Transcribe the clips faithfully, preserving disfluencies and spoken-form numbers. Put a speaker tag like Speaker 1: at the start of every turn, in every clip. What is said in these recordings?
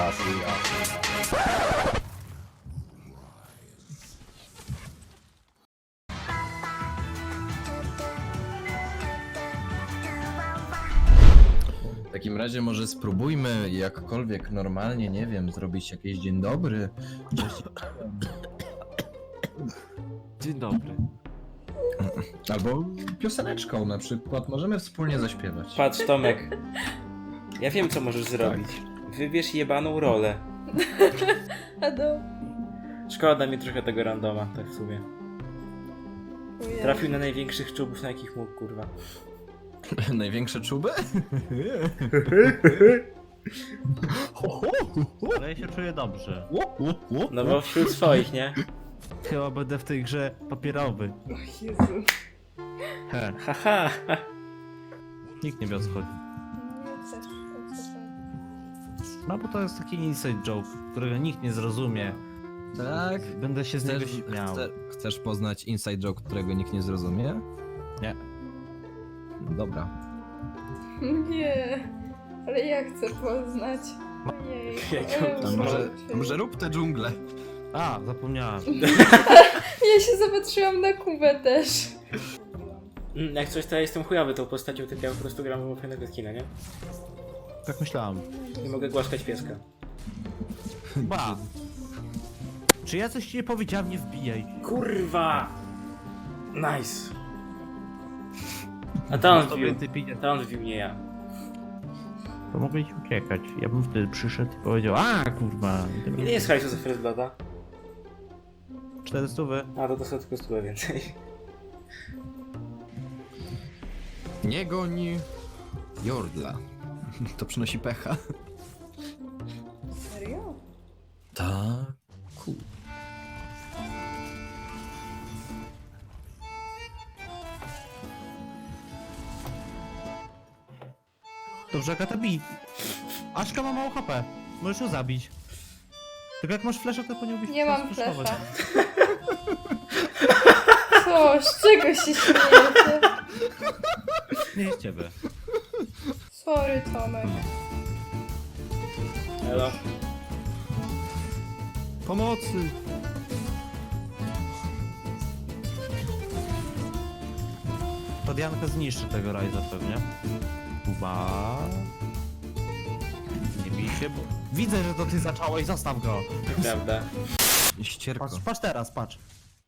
Speaker 1: jas, jas. W takim razie może spróbujmy jakkolwiek normalnie, nie wiem, zrobić jakieś dzień dobry. Cześć.
Speaker 2: Dzień dobry.
Speaker 1: Albo pioseneczką na przykład, możemy wspólnie zaśpiewać.
Speaker 3: Patrz, Tomek. Ja wiem, co możesz zrobić. Wybierz jebaną rolę.
Speaker 4: A do...
Speaker 3: Szkoda mi trochę tego randoma, tak w sumie.
Speaker 4: Ujej.
Speaker 3: Trafił na największych czubów, na jakich mógł, kurwa.
Speaker 1: Największe czuby?
Speaker 2: Ale ja się czuję dobrze.
Speaker 3: No bo wśród swoich, nie?
Speaker 2: Chyba będę w tej grze papierowy.
Speaker 4: O Jezu.
Speaker 2: He,
Speaker 3: Haha.
Speaker 2: nikt nie wie o co chodzi.
Speaker 4: Nie chcę, tak co
Speaker 2: No bo to jest taki inside joke, którego nikt nie zrozumie.
Speaker 1: Tak.
Speaker 2: Będę się z niego
Speaker 1: Chcesz,
Speaker 2: śmiał.
Speaker 1: chce, chcesz poznać inside joke, którego nikt nie zrozumie?
Speaker 2: Nie.
Speaker 1: Dobra.
Speaker 4: to? Nie, ale ja chcę poznać. Ojej.
Speaker 3: Jak
Speaker 1: To może, to może rób tę dżunglę.
Speaker 2: A, zapomniałem.
Speaker 4: Ja się zobaczyłam na Kubę też.
Speaker 3: Mm, Jak coś, to ja jestem chujowy tą postacią, tylko ja po prostu gram w fajnego skina, nie?
Speaker 2: Tak myślałem.
Speaker 3: Nie mogę głaskać pieska.
Speaker 2: Ba! Czy ja coś ci nie powiedziałem, nie wbijaj.
Speaker 3: Kurwa! Nice. A to on
Speaker 2: Tobie
Speaker 3: wbił.
Speaker 2: ty pinie.
Speaker 3: To on wbił, nie ja.
Speaker 2: To mogłeś uciekać. Ja bym wtedy przyszedł i powiedział, a kurwa.
Speaker 3: Ile jest hajsu za First Blooda?
Speaker 2: cztery stówy.
Speaker 3: A, to dostał tylko stówę więcej.
Speaker 1: Nie goni Jordla. To przynosi pecha.
Speaker 4: Serio?
Speaker 1: Tak. Cool.
Speaker 2: Dobrze, Agata, bij. Aszka ma mało H P. Możesz ją zabić. Tylko jak masz flesza, to po nią bić.
Speaker 4: Nie mam
Speaker 2: flashować.
Speaker 4: flesza. Co? Z czego się śmiejecie?
Speaker 2: Nie z ciebie.
Speaker 4: Sorry, Tomek.
Speaker 3: Elo.
Speaker 2: Pomocy! To Dianka zniszczy tego Ryza pewnie. Kuba. Nie bij się, bo... Widzę, że to ty zacząłeś, zostaw go!
Speaker 3: Prawda.
Speaker 1: Ścierko.
Speaker 2: Patrz, patrz teraz, patrz.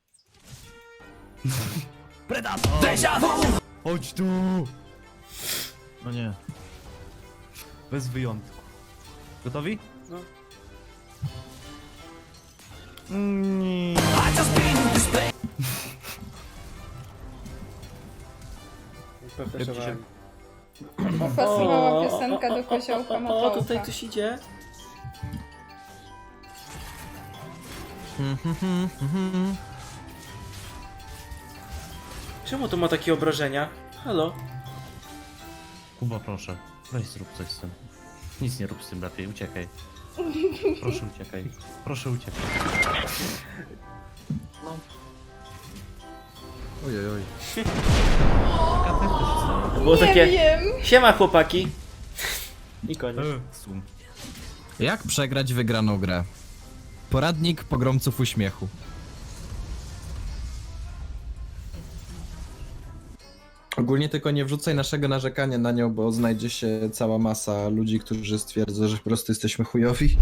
Speaker 2: Predator! Chodź tu! No nie. Bez wyjątku. Gotowi?
Speaker 3: No.
Speaker 2: Nie.
Speaker 3: Pofleszowałem.
Speaker 4: Pasowała piosenka do koziołka
Speaker 3: O,
Speaker 4: Matołka.
Speaker 3: tutaj ktoś idzie. Czemu to ma takie obrażenia? Halo?
Speaker 2: Kuba, proszę. Weź zrób coś z tym. Nic nie rób z tym lepiej, uciekaj. Proszę uciekaj. Proszę uciekaj. No.
Speaker 1: Ojej, oj.
Speaker 2: Taka też się stało.
Speaker 3: To było
Speaker 4: Nie
Speaker 3: takie...
Speaker 4: wiem.
Speaker 3: Siema chłopaki. I koniec.
Speaker 2: Sum.
Speaker 1: Jak przegrać wygraną grę? Poradnik pogromców uśmiechu. Ogólnie tylko nie wrzucaj naszego narzekania na nią, bo znajdzie się cała masa ludzi, którzy stwierdzą, że po prostu jesteśmy chujowi.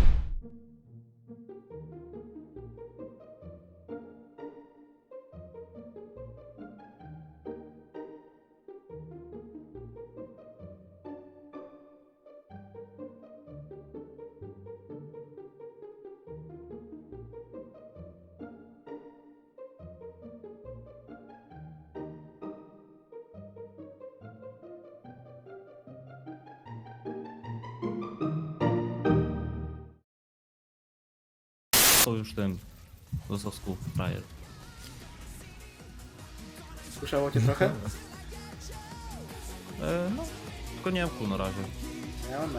Speaker 2: To już ten do sosku frajer.
Speaker 3: Słyszało cię trochę?
Speaker 2: E, no, tylko nie mam kół na razie.
Speaker 3: Ja mam.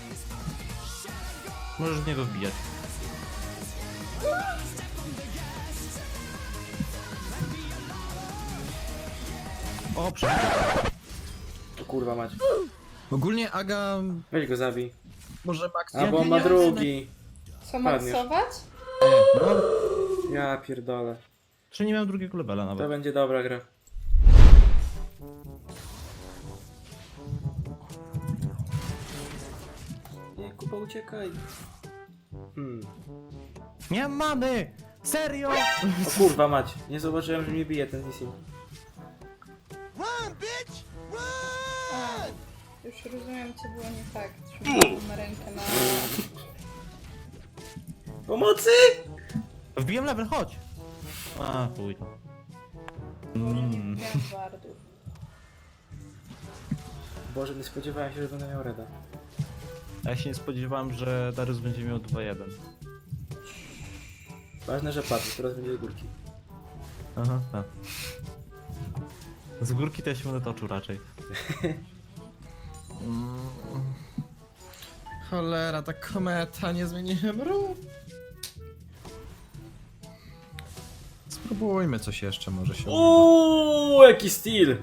Speaker 2: Możesz w niego wbijać. O, przepraszam.
Speaker 3: O kurwa mać.
Speaker 1: Ogólnie Aga...
Speaker 3: Weź go zabij.
Speaker 1: Może Max...
Speaker 3: A bo on ma drugi.
Speaker 4: Co
Speaker 3: Padniesz.
Speaker 4: maksować?
Speaker 2: No,
Speaker 3: Ja pierdolę.
Speaker 2: czy nie miałem drugiego levela
Speaker 3: To
Speaker 2: nawet.
Speaker 3: będzie dobra gra. Nie, Kuba, uciekaj. Hmm.
Speaker 2: Nie mam many! Serio!
Speaker 3: O kurwa mać, nie zauważyłem, że mnie bije ten Nissin.
Speaker 4: A, już rozumiem, co było nie tak. Trzymałam rękę na...
Speaker 3: Pomocy!
Speaker 2: Wbiłem level, chodź! A, chuj.
Speaker 4: Nie
Speaker 2: Mm.
Speaker 4: miałam wardów.
Speaker 3: Boże, nie spodziewałem się, że będę miał reda.
Speaker 2: A ja się nie spodziewałem, że Darius będzie miał dwa jeden.
Speaker 3: Ważne, że padł, teraz będzie górki.
Speaker 2: Aha, tak. Z górki to ja się będę toczył raczej.
Speaker 1: Mm. Cholera, ta kometa, nie zmieniłem ruch. Spróbujmy coś jeszcze, może się uda.
Speaker 3: Uuu, jaki styl!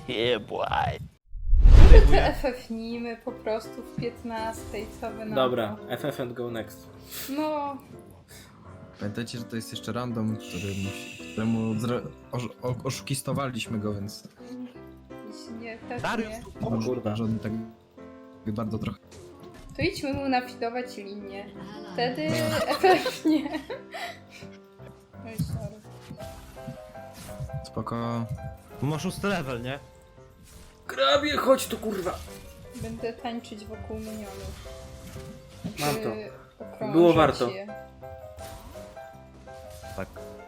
Speaker 4: Może to F F-nijmy po prostu w piętnastej, co wy na
Speaker 3: Dobra,
Speaker 4: to?
Speaker 3: F F and go next.
Speaker 4: No,
Speaker 1: Pamiętajcie, że to jest jeszcze random, który musi, któremu zre... osz... o- oszukistowaliśmy go, więc
Speaker 4: jeśli nie, też
Speaker 2: Darius,
Speaker 4: nie.
Speaker 2: tu
Speaker 3: O
Speaker 2: pomóż!
Speaker 3: kurwa.
Speaker 1: że on tak bardzo trochę...
Speaker 4: To idźmy mu nafidować linię. Wtedy F F nie. Oj, sorry.
Speaker 1: Spoko.
Speaker 2: Masz szósty level, nie?
Speaker 3: Grabie, chodź tu kurwa!
Speaker 4: Będę tańczyć wokół minionów.
Speaker 3: Mam to.
Speaker 4: okrążać
Speaker 3: Było warto.
Speaker 4: je.
Speaker 2: Tak.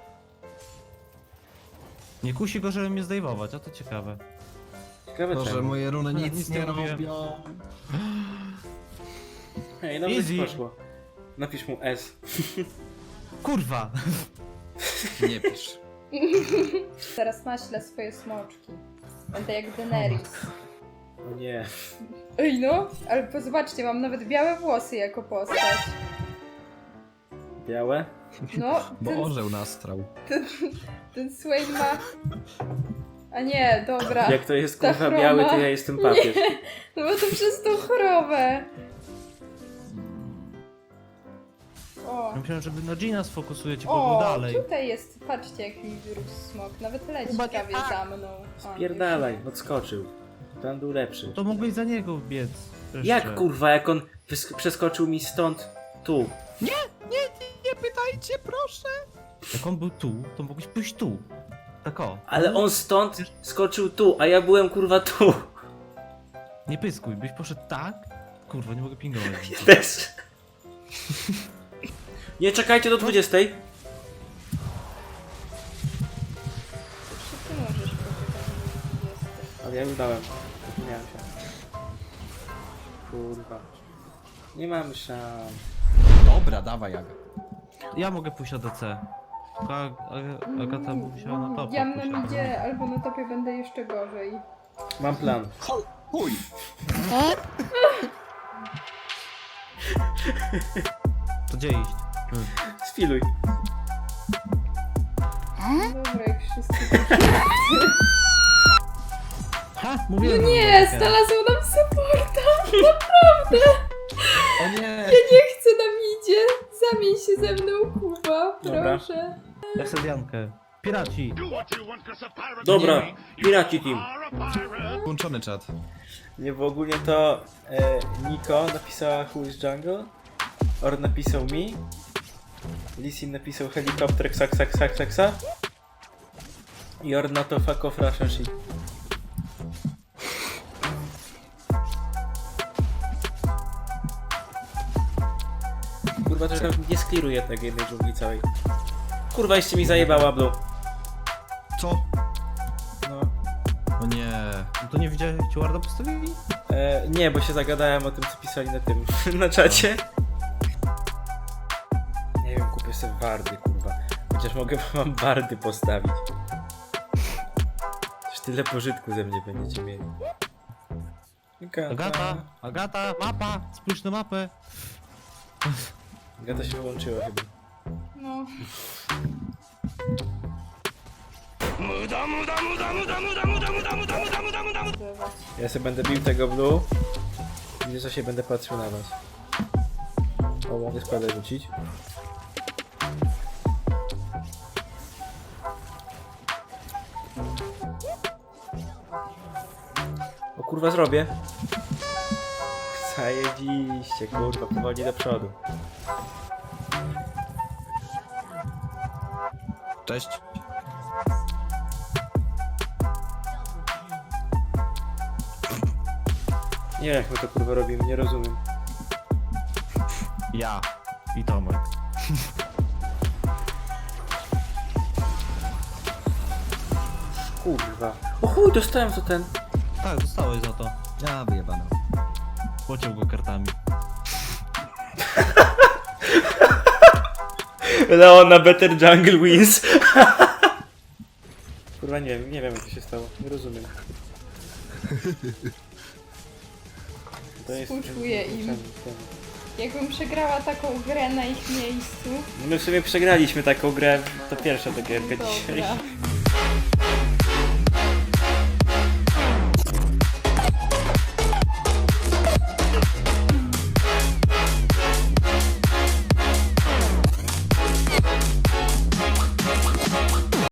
Speaker 2: Nie kusi go, żeby mnie zdejmować, a to ciekawe.
Speaker 3: Ciekawe
Speaker 1: To, że
Speaker 3: czemu.
Speaker 1: moje runy
Speaker 2: No,
Speaker 1: nic,
Speaker 2: nic
Speaker 1: nie
Speaker 2: nie mówię.
Speaker 1: robią.
Speaker 3: Ej, dobrze
Speaker 2: Easy.
Speaker 3: ci poszło. Napisz mu S.
Speaker 2: Kurwa!
Speaker 1: Nie pisz.
Speaker 4: Teraz naślę swoje smoczki. Będę jak Daenerys.
Speaker 3: O nie.
Speaker 4: Ej no, ale zobaczcie, mam nawet białe włosy jako postać.
Speaker 3: Białe?
Speaker 4: No,
Speaker 1: Bo
Speaker 4: ten,
Speaker 1: orzeł nastrał.
Speaker 4: ten Swain ma... A nie, dobra.
Speaker 3: Jak to jest
Speaker 4: Ta
Speaker 3: kurwa
Speaker 4: chroma.
Speaker 3: biały, to ja jestem papież.
Speaker 4: No bo to przez tą chorobę. O,
Speaker 2: Ja myślałem, że na Gina sfokusuje cię
Speaker 4: o,
Speaker 2: dalej.
Speaker 4: tutaj jest, patrzcie jak mi wyrósł smok. Nawet leci
Speaker 2: Chyba nie
Speaker 4: prawie
Speaker 2: tak.
Speaker 4: za mną. O,
Speaker 3: Pierdalaj, odskoczył. Ten był lepszy.
Speaker 2: To mogłeś za niego biec. Jeszcze.
Speaker 3: Jak kurwa, jak on wys- przeskoczył mi stąd tu?
Speaker 1: Nie pytajcie, proszę!
Speaker 2: Jak on był tu, to mogłeś pójść tu. Tak o.
Speaker 3: Ale on stąd skoczył tu, a ja byłem kurwa tu.
Speaker 2: Nie pyskuj, byś poszedł tak? Kurwa, nie mogę pingować.
Speaker 3: Też. Nie czekajcie do dwudziestej.
Speaker 4: Jeszcze ty możesz poczekać do dwudziestej.
Speaker 3: Ale ja już dałem. Zapomniałem się. Kurwa. Nie mam szans.
Speaker 1: Dobra, dawaj, Aga.
Speaker 2: Ja mogę pójść na D C. Tylko Ag- Ag- Agata by musiała na topa
Speaker 4: Ja
Speaker 2: pójść.
Speaker 4: na midzie albo na topie będę jeszcze gorzej.
Speaker 3: Mam plan.
Speaker 1: Chuj!
Speaker 2: To gdzie iść? Hmm.
Speaker 3: Sfiluj.
Speaker 4: No dobra, jak wszyscy...
Speaker 2: Ha!
Speaker 4: No
Speaker 2: Mówiłem, że
Speaker 4: nie,
Speaker 2: mam
Speaker 4: znalazło nam supporta!
Speaker 1: O nie!
Speaker 4: Ja nie chcę na midzie! Zamień się ze mną, Kuba,
Speaker 3: Dobra.
Speaker 4: proszę.
Speaker 2: Ja chcę Diankę. Piraci!
Speaker 3: Dobra, Piraci Team.
Speaker 1: Włączony czat.
Speaker 3: Nie, bo ogólnie to e, Niko napisała Who is Jungle, Or napisał mi, Lisin napisał helikopter ksak ksak ksak ksak ksak i Or na to fuck off Russian shit. Kurwa, to nie skliruję tego jednej dżungli całej. Kurwa, jeszcze mi zajebała Blue.
Speaker 1: Co?
Speaker 3: No.
Speaker 1: O nie.
Speaker 2: No to nie widziałeś, jak ci Warda postawili?
Speaker 3: E, nie, bo się zagadałem o tym, co pisali na tym, na czacie. Nie wiem, kupię sobie wardy, kurwa. Chociaż mogę wam wardy postawić. Już tyle pożytku ze mnie będziecie mieli.
Speaker 2: Agata! Agata! Mapa! Spójrz na mapę!
Speaker 3: Agata się wyłączyła chyba.
Speaker 4: No.
Speaker 3: Ja sobie będę bił tego blue. Widzę, co się będę patrzył na was. O, mogę składę rzucić. O kurwa, zrobię. Zajebiście, kurwa, powoli do przodu.
Speaker 1: Cześć.
Speaker 3: Nie wiem, jak my to kurwa robimy, nie rozumiem.
Speaker 2: Ja i Tomek.
Speaker 3: Kurwa. O chuj, dostałem za ten.
Speaker 2: Tak, dostałeś za to.
Speaker 1: Ja wyjebana.
Speaker 2: Pociął go kartami.
Speaker 3: Leon na Better Jungle wins. Kurwa, nie wiem, nie wiem jak to się stało, nie rozumiem. To jest...
Speaker 4: Współczuję im.
Speaker 3: ten-
Speaker 4: Jakbym przegrała taką grę na ich miejscu.
Speaker 3: No my w sumie przegraliśmy taką grę, to pierwsza ta gierka dzisiaj.
Speaker 4: Dobra.